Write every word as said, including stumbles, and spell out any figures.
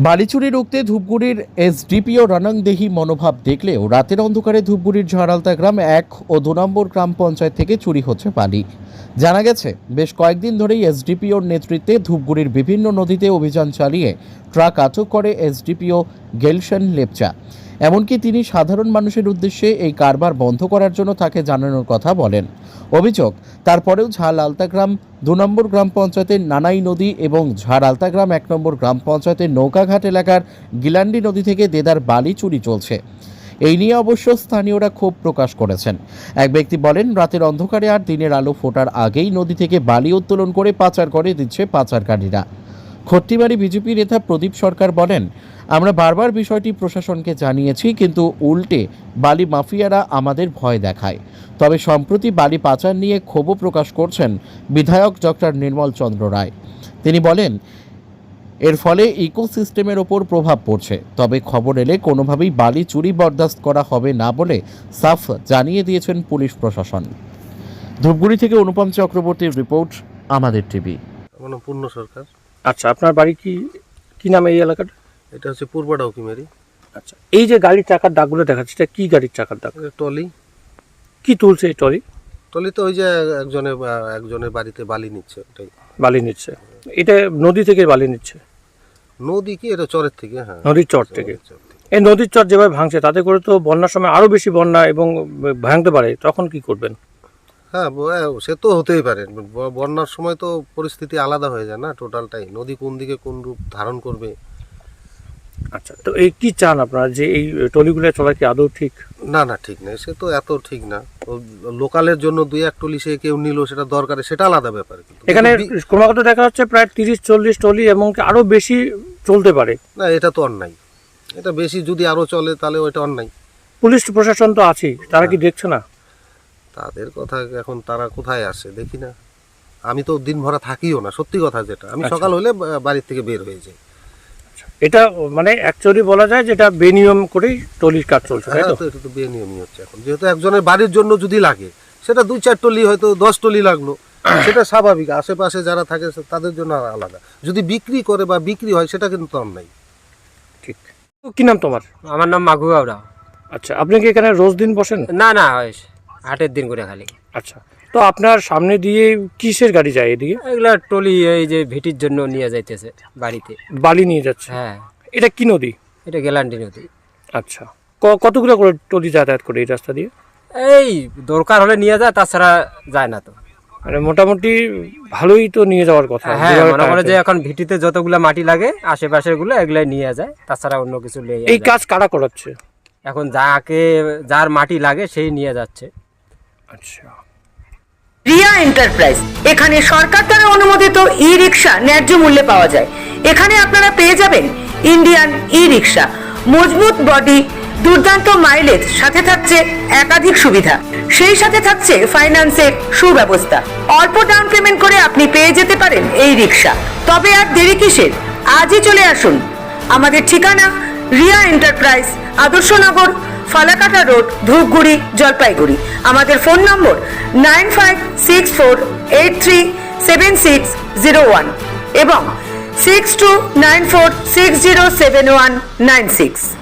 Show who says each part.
Speaker 1: বালিচুরি রুখতে ধূপগুড়ির এসডিপিও রানাংদেহি মনোভাব দেখলেও রাতের অন্ধকারে ধূপগুড়ির ঝাড়ালতা গ্রাম এক ও দু নম্বর গ্রাম পঞ্চায়েত থেকে চুরি হচ্ছে বালি। জানা গেছে, বেশ কয়েকদিন ধরেই এসডিপিওর নেতৃত্বে ধূপগুড়ির বিভিন্ন নদীতে অভিযান চালিয়ে ট্রাক আটক করে এসডিপিও গেলশন লেপচা। এমনকি তিনি সাধারণ মানুষের উদ্দেশ্যে এই কারবার বন্ধ করার জন্য তাকে জানানোর কথা বলেন। অভিযোগ, তারপরেও ঝাড় আলতাগ্রাম দু নম্বর গ্রাম পঞ্চায়েতের নানাই নদী এবং ঝাড় আলতাগ্রাম এক নম্বর গ্রাম পঞ্চায়েতের নৌকাঘাট এলাকার গিলান্ডি নদী থেকে দেদার বালি চুরি চলছে। এই নিয়ে অবশ্য স্থানীয়রা ক্ষোভ প্রকাশ করেছেন। এক ব্যক্তি বলেন, রাতের অন্ধকারে আর দিনের আলো ফোটার আগেই নদী থেকে বালি উত্তোলন করে পাচার করে দিচ্ছে পাচারকারীরা। খট্টিমারি বিজেপি নেতা প্রদীপ সরকার বলেন, আমরা বারবার বিষয়টি প্রশাসনকে জানিয়েছি, কিন্তু উল্টে বালি মাফিয়ারা আমাদের ভয় দেখায়। তবে সম্প্রতি বালি পাচার নিয়ে ক্ষোভ প্রকাশ করছেন বিধায়ক ডক্টর নির্মল চন্দ্র রায়। তিনি বলেন, এর ফলে ইকোসিস্টেমের ওপর প্রভাব পড়ছে, তবে খবর এলে কোনোভাবেই বালি চুরি বরদাস্ত করা হবে না বলে সাফ জানিয়ে দিয়েছেন পুলিশ প্রশাসন। ধূপগুড়ি থেকে অনুপম চক্রবর্তীর রিপোর্ট, আমাদের টিভি।
Speaker 2: পূর্ণ সরকার।
Speaker 3: আচ্ছা, আপনার বাড়ি কি কি নামে এই এলাকাটা?
Speaker 2: এটা হচ্ছে পূর্ব ডাউকিমারি।
Speaker 3: আচ্ছা, এই যে গাড়ির চাকার দাগগুলো দেখাচ্ছে, এটা কি গাড়ির চাকার দাগ?
Speaker 2: টলি।
Speaker 3: কি তুলছে এই টলি?
Speaker 2: টলি তো ওই যে একজনের একজনের বাড়িতে বালি নিচ্ছে, ওটাই
Speaker 3: বালি নিচ্ছে। এটা নদী থেকে বালি নিচ্ছে?
Speaker 2: নদী কি, এটা চরের থেকে। হ্যাঁ,
Speaker 3: নদীর চর থেকে। এই নদীর চর যেভাবে ভাঙছে, তাতে করে তো বন্যার সময় আরো বেশি বন্যা এবং ভাঙতে পারে, তখন কি করবেন?
Speaker 2: হ্যাঁ, সে তো হতেই পারে। বন্যার সময় তো পরিস্থিতি আলাদা হয়ে যায় না, টোটালটাই। নদী কোন দিকে কোন রূপ ধারণ করবে।
Speaker 3: আচ্ছা, তো এই কি চান আপনারা, যে এই টলিগুলো চলা কি আদৌ ঠিক?
Speaker 2: না না, ঠিক নেই, সে তো এত ঠিক না। লোকালের জন্য দুই এক টলি সে কেউ নিল, সেটা দরকারে, সেটা আলাদা ব্যাপার।
Speaker 3: এখানে ক্রমাগত দেখা যাচ্ছে প্রায় তিরিশ চল্লিশ টলি এবং আরো বেশি চলতে পারে।
Speaker 2: না, এটা তো অন্যায়। এটা বেশি যদি আরো চলে তাহলে ওইটা অন্যায়।
Speaker 3: পুলিশ প্রশাসন তো আছে, তারা কি দেখছে না?
Speaker 2: তাদের কথা এখন তারা কোথায় আসে দেখি না। আমি তো দিন ভরা থাকিও না, সত্যি কথা যেটা। আমি সকাল হলে বাড়ির থেকে বের হয়ে যাই।
Speaker 3: এটা মানে অ্যাকচুয়ালি বলা যায় যেটা বেনিয়ম করেই টলির কাজ চলছে, তাই তো?
Speaker 2: এটা তো বেনিয়মই হচ্ছে এখন। যেহেতু একজনের বাড়ির জন্য যদি লাগে, সেটা দুই চার টলি, হয়তো দশ টলি লাগলো, সেটা স্বাভাবিক। আশেপাশে যারা থাকে তাদের জন্য আলাদা। যদি বিক্রি করে বা বিক্রি হয়, সেটা কিন্তু অন্যায়।
Speaker 3: ঠিক। কি নাম তোমার?
Speaker 4: আমার নাম মাঘু বাবরা।
Speaker 3: আচ্ছা, আপনি কি এখানে রোজ দিন বসেন?
Speaker 4: না না, হাটের দিন করে খালি।
Speaker 3: আচ্ছা, তো আপনার সামনে দিয়ে কিসের গাড়ি যায় এদিকে?
Speaker 4: এগুলা টলি, এই যে ভিটির জন্য নিয়ে যাইতেছে বাড়িতে,
Speaker 3: বালি নিয়ে যাচ্ছে।
Speaker 4: হ্যাঁ।
Speaker 3: এটা কি নদী?
Speaker 4: এটা গেলান্ডি নদী।
Speaker 3: আচ্ছা, কতগুলো করে টলি যাতায়াত করে এই রাস্তা দিয়ে?
Speaker 4: এই দরকার হলে নিয়ে যায়, তাছাড়া যায় না তো।
Speaker 3: মানে মোটামুটি ভালোই তো নিয়ে যাওয়ার কথা।
Speaker 4: হ্যাঁ, মনে করে যে এখন ভিটিতে যতগুলা মাটি লাগে আশেপাশের গুলো, এগুলাই নিয়ে যায়, তাছাড়া অন্য কিছু নিয়ে।
Speaker 3: এই কাজ কারা করাচ্ছে
Speaker 4: এখন? যাকে যার মাটি লাগে সেই নিয়ে যাচ্ছে।
Speaker 3: আচ্ছা।
Speaker 5: রিয়া এন্টারপ্রাইজ, এখানে সরকার দ্বারা অনুমোদিত ই রিক্সা ন্যায্য মূল্যে পাওয়া যায়। এখানে আপনারা পেয়ে যাবেন ইন্ডিয়ান ই রিক্সা, মজবুত বডি, দুর্দান্ত মাইলেজ, সাথে থাকছে একাধিক সুবিধা। সেই সাথে থাকছে ফাইন্যান্সের সুব্যবস্থা। অল্প ডাউন পেমেন্ট করে আপনি পেয়ে যেতে পারেন এই রিক্সা। তবে আর দেরি কিসের? আজই চলে আসুন। আমাদের ঠিকানা রিয়া এন্টারপ্রাইজ, আদর্শনগর, ফালাকাটা রোড, ধূপগুড়ি, জলপাইগুড়ি। আমাদের phone number nine five six four eight three seven six zero one এবং six two nine four six zero seven one nine six.